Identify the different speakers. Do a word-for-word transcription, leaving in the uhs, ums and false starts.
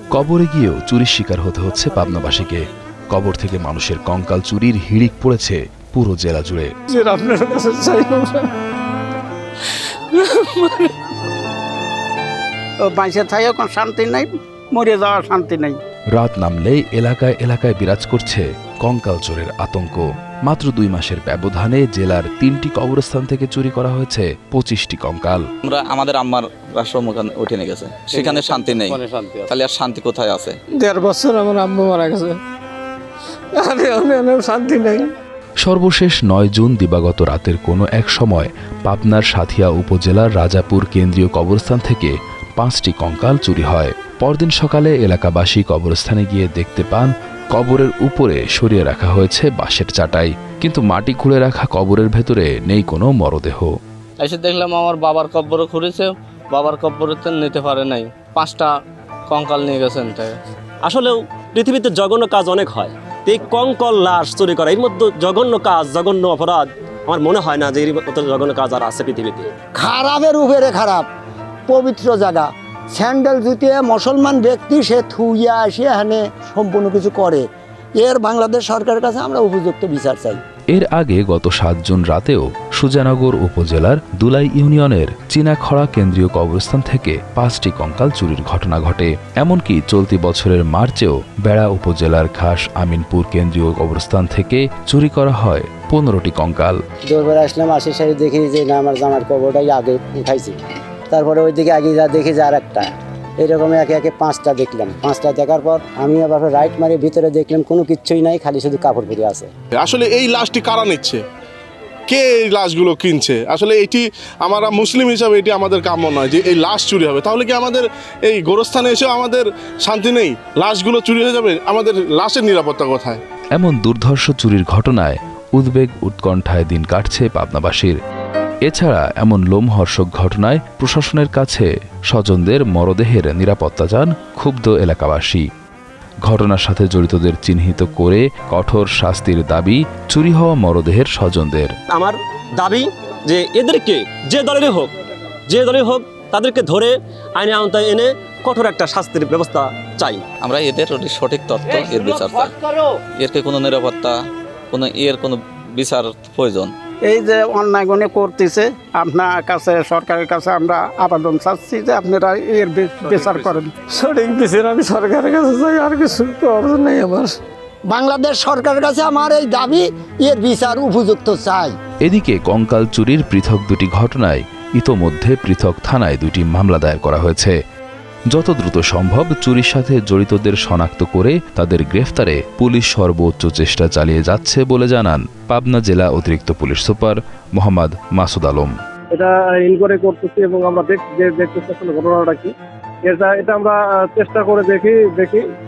Speaker 1: কবরে গিয়েও চুরির শিকার হতে হচ্ছে পাবনাবাসীকে। কবর থেকে মানুষের কঙ্কাল চুরির হিড়িক পড়েছে পুরো জেলা জুড়ে।
Speaker 2: শান্তি নাই, মরে যাওয়ার শান্তি নাই।
Speaker 1: রাত নামলেই এলাকায় এলাকায় বিরাজ করছে কঙ্কাল চোরের আতঙ্ক। মাত্র দুই মাসের ব্যবধানে জেলার তিনটি কবরস্থান থেকে চুরি করা হয়েছে পঁচিশটি কঙ্কাল।
Speaker 3: আমরা আমাদের আম্মার রাষ্ট্রমুখান উঠে নিয়ে গেছে, সেখানে শান্তি নেই, তাহলে আর শান্তি কোথায় আছে?
Speaker 4: দেড় বছর আমার আম্মু মারা গেছে, শান্তি নেই।
Speaker 1: সর্বশেষ নয় জুন দিবাগত রাতের কোনো এক সময় পাবনার সাথিয়া উপজেলার রাজাপুর কেন্দ্রীয় কবরস্থান থেকে পাঁচটি কঙ্কাল চুরি হয়। পরদিন সকালে এলাকাবাসী কবরস্থানে গিয়ে দেখতে পান কবরের উপরে সরিয়ে রাখা হয়েছে বাঁশের চাটাই, কিন্তু মাটি খুঁড়ে রাখা কবরের ভেতরে নেই কোনো মরদেহ।
Speaker 4: এসে দেখলাম আমার বাবার কব্বরে খুঁড়েছে, বাবার কব্বরে নিতে পারে নাই, পাঁচটা কঙ্কাল নিয়ে গেছেন। তাই
Speaker 5: আসলেও পৃথিবীতে জঘন্য কাজ অনেক হয়, এই কঙ্কাল লাশ চুরি করা এর মধ্যে জঘন্য কাজ, জঘন্য অপরাধ আমার মনে হয় না যে এর মতো জঘন্য কাজ আর আছে পৃথিবীতে।
Speaker 2: খারাপের উপরে খারাপ, পবিত্র জায়গা, স্যান্ডেল জুতিয়ে মুসলমান ব্যক্তি সে থুইয়া আসে এখানে সম্পূর্ণ কিছু করে, এর বাংলাদেশ সরকারের কাছে আমরা উপযুক্ত বিচার চাই।
Speaker 1: এর আগে গত সাত জুন রাতেও সুজানগর উপজেলার দুলাই ইউনিয়নের চীনাখড়া কেন্দ্রীয় কবরস্থান থেকে পাঁচটি কঙ্কাল চুরির ঘটনা ঘটে। এমনকি চলতি বছরের মার্চেও বেড়া উপজেলার খাস আমিনপুর কেন্দ্রীয় কবরস্থান থেকে চুরি করা হয় পনেরোটি কঙ্কাল।
Speaker 2: দৌড়ে আসলাম, আসে সারি দেখি যে না আমার জামার কবরটাই আগে উঠাইছি, তারপরে ওইদিকে আগে যা দেখি যে আর একটা, এরকম একে একে পাঁচটা দেখলাম। পাঁচটা দেখার পর আমি আবার রাইট মারি ভিতরে দেখলাম কোনো কিচ্ছুই নাই, খালি শুধু কাপড় পরে আছে।
Speaker 6: আসলে এই লাশটি কারা নিচ্ছে, কে এই লাশগুলো কিনছে? আসলে এটি আমরা মুসলিম হিসাবে এটি আমাদের কাম্য নয় যে এই লাশ চুরি হবে। তাহলে কি আমাদের এই গোরস্থানে এসেও আমাদের শান্তি নেই? লাশগুলো চুরি হয়ে যাবে, আমাদের লাশের নিরাপত্তা কোথায়?
Speaker 1: এমন দুর্ধর্ষ চুরির ঘটনায় উদ্বেগ উৎকণ্ঠায় দিন কাটছে পাবনাবাসীর। এছাড়া এমন লোমহর্ষক ঘটনায় প্রশাসনের কাছে স্বজনদের মরদেহের নিরাপত্তা চান ক্ষুব্ধ এলাকাবাসী। ঘটনার সাথে জড়িতদের চিহ্নিত করে কঠোর শাস্তির দাবি চুরি হওয়া মরদেহের স্বজনদের।
Speaker 5: আমার দাবি যে এদেরকে যে দলেরই হোক যে দলের হোক তাদেরকে ধরে আইনের আওতায় এনে কঠোর একটা শাস্তির ব্যবস্থা চাই।
Speaker 3: আমরা এদের সঠিক তথ্য, এর বিচার চাই। এর কোনো নিরাপত্তা, কোনো এর কোনো বিচার প্রয়োজন।
Speaker 2: এই যে অন্যায় গণে করতেছে, আপনার কাছে সরকারের কাছে আমরা আবেদন চাচ্ছি যে আপনারা এর বিচার করেন।
Speaker 4: সঠিক বিচার আমি সরকারের কাছে চাই, আর কিছু অর্জন নেই আমার।
Speaker 2: বাংলাদেশ সরকারের কাছে আমার এই দাবি, এর বিচার উপযুক্ত চাই।
Speaker 1: এদিকে কঙ্কাল চুরির পৃথক দুটি ঘটনায় ইতোমধ্যে পৃথক থানায় দুটি মামলা দায়ের করা হয়েছে। যত দ্রুত সম্ভব চুরির সাথে জড়িতদের শনাক্ত করে তাদের গ্রেফতারে পুলিশ সর্বোচ্চ চেষ্টা চালিয়ে যাচ্ছে বলে জানান পাবনা জেলা অতিরিক্ত পুলিশ সুপার মোহাম্মদ মাসুদ আলম।
Speaker 7: এটা ইনকোয়ারি করতেছি এবং আমরা দেখতেছি আসলে ঘটনাটা কি, এটা এটা আমরা চেষ্টা করে দেখি দেখি